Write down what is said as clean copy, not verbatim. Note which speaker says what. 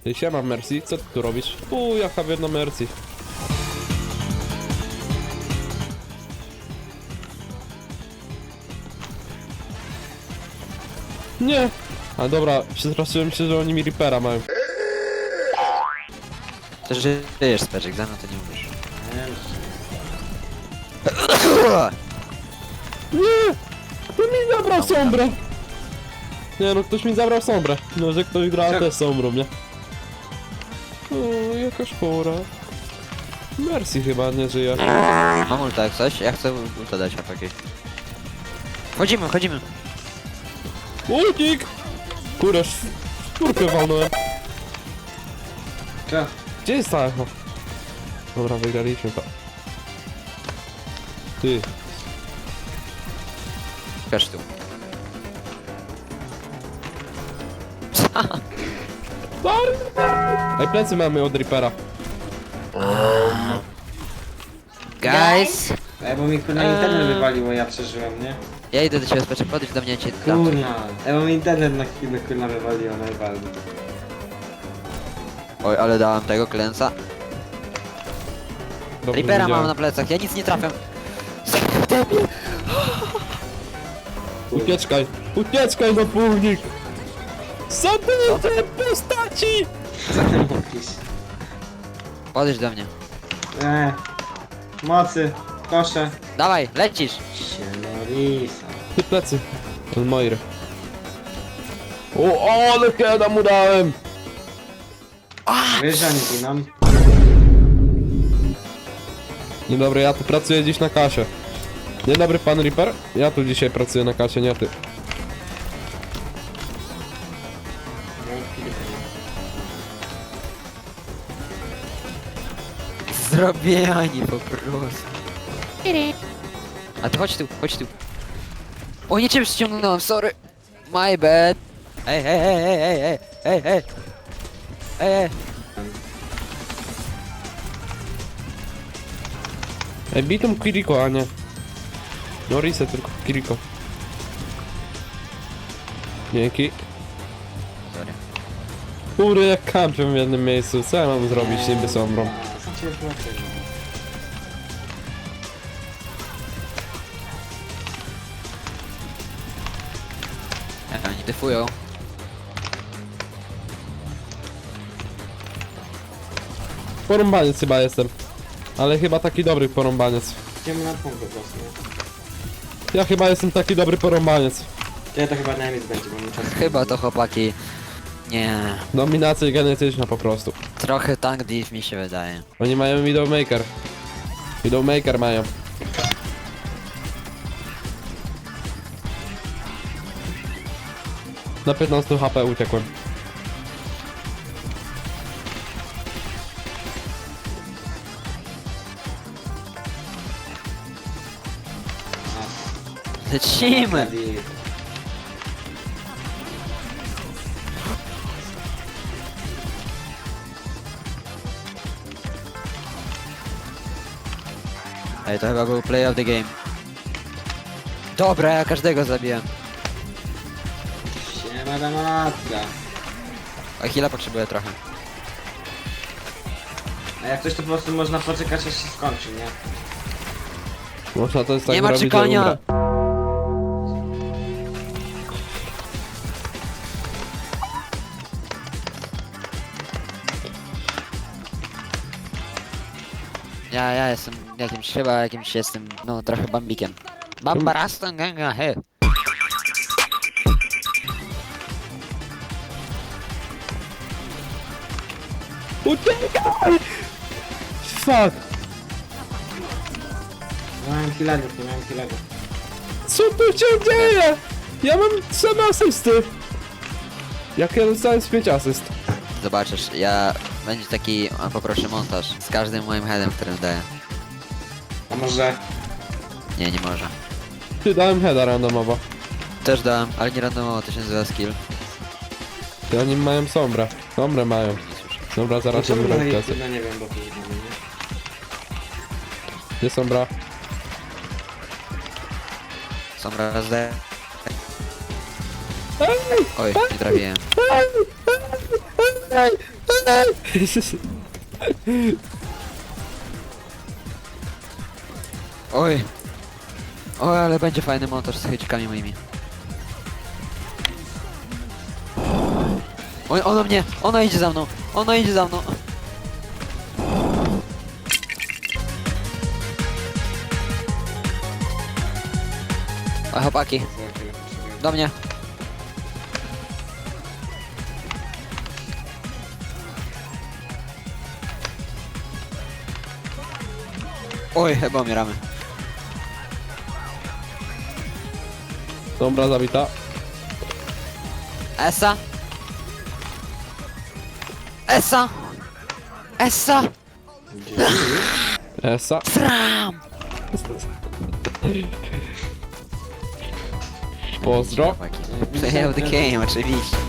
Speaker 1: Ty siema Mercy, co ty tu robisz? Jaka biedna Mercy. Nie! A dobra, przestraszyłem się, że oni mi Reapera mają.
Speaker 2: To żyjesz, Speczek, za mną to nie umiesz.
Speaker 1: Nie! To mi zabrał sombrę! Nie no, ktoś mi zabrał sombrę. No, że ktoś gra też sombrą, nie? O, jaka szpora. Mercy chyba nie żyje.
Speaker 2: Mam ulta jak coś? Ja chcę ulta dać chłopaki. Wchodzimy!
Speaker 1: Ultik! Kurde, szpórkę walnąłem.
Speaker 3: Co?
Speaker 1: Gdzie jest ta echo? Dobra, wygraliśmy to. Ty.
Speaker 2: Każ tu.
Speaker 1: Ej, plecy mamy od Reapera.
Speaker 2: Guys!
Speaker 3: Ej, bo mi kurna internet wywaliło, ja przeżyłem, nie?
Speaker 2: Ja idę do ciebie, Speczek, podejdź do mnie, cię dam.
Speaker 3: Kurna. Ej, bo mi internet na chwilę kurna wywaliło najbardziej.
Speaker 2: Oj, ale dałem tego klęsa.
Speaker 1: Dobrze
Speaker 2: Reapera mam
Speaker 1: widziałem.
Speaker 2: na plecach, ja nic nie trafiam.
Speaker 1: Ucieczkaj! Ucieczkaj, zapólnik! Co ty nie te postaci?
Speaker 3: Co ty mówisz?
Speaker 2: Podejdź do mnie.
Speaker 3: Mocy, kosze.
Speaker 2: Dawaj, lecisz!
Speaker 3: Siemorisa.
Speaker 1: Ty plecy. Od Moiry. O, ale kiedy mu dałem!
Speaker 3: Wiesz, że oni giną?
Speaker 1: Dzień dobry, ja tu pracuję dziś na kasie. Dzień dobry, pan Reaper. Ja tu dzisiaj pracuję na kasie, nie ty.
Speaker 2: Zrobieni po prostu. A ty chodź tu. O, nie ciebie ściągnąłem, sorry. My bad. Ej.
Speaker 1: Ej, bitum Kiriko, a nie. No reset, tylko Kiriko. Dzięki.
Speaker 2: Sorry.
Speaker 1: Kurde, jak kampią w jednym miejscu. Co ja mam zrobić niby sombrą?
Speaker 3: Co cię włączyło?
Speaker 2: Oni defują.
Speaker 1: Porąbaniec chyba jestem. Ale chyba taki dobry porąbaniec.
Speaker 3: Idziemy na punkt po prostu, nie?
Speaker 1: Ja chyba jestem taki dobry porąbaniec.
Speaker 3: Ja to chyba najmniej będzie, bo mi czas...
Speaker 2: Chyba to chłopaki. Nie.
Speaker 1: Dominacja genetyczna po prostu.
Speaker 2: Trochę tank div mi się wydaje.
Speaker 1: Oni mają Widowmaker. Widowmaker mają. Na 15 HP uciekłem.
Speaker 2: Lecimy! Ej, to chyba był play of the game. Dobra, ja każdego zabiłem.
Speaker 3: Siema damatka.
Speaker 2: A heala potrzebuję trochę.
Speaker 3: A jak coś to po prostu można poczekać aż się skończy, nie?
Speaker 1: Można to jest tak
Speaker 2: Nie ma
Speaker 1: zrobić, że
Speaker 2: czekania.
Speaker 1: umrę.
Speaker 2: Ja jestem jakimś jestem, no trochę bambikiem. Bambaraston ganga, he.
Speaker 1: Uciekaj! Fuck!
Speaker 3: Nie miałem kilagów, nie miałem kilagów.
Speaker 1: Co tu się dzieje? Ja mam 3 asysty. Jak ja dostałem z 5 asyst.
Speaker 2: Zobaczysz, będzie taki, poproszę montaż z każdym moim headem, którym daję.
Speaker 3: A może...
Speaker 2: Nie może.
Speaker 1: Ty dałem heada randomowo.
Speaker 2: Też dałem, ale nie randomowo, to się nazywa skill.
Speaker 1: Ty oni mają sombrę. Sombrę mają.
Speaker 2: Nie słyszę.
Speaker 1: Dobra, zaraz
Speaker 3: Dlaczego
Speaker 1: im
Speaker 3: no,
Speaker 1: robię kasę.
Speaker 3: no nie wiem, bo to nie wiem, nie?
Speaker 1: Gdzie sombra?
Speaker 2: Są raz D.
Speaker 1: Ej!
Speaker 2: Oj, nie trafiłem.
Speaker 1: Ej! Ej! Ej!
Speaker 2: Oj. Oj, ale będzie fajny montaż z hejcikami moimi. Oj, ona idzie za mną, ona idzie za mną. Oj, chłopaki, do mnie. Oj, chyba umieramy.
Speaker 1: Sombra zabita.
Speaker 2: Essa? Essa? Essa?
Speaker 1: Esa.
Speaker 2: Fram!
Speaker 1: Pozdro.
Speaker 2: Play of the game, oczywiście.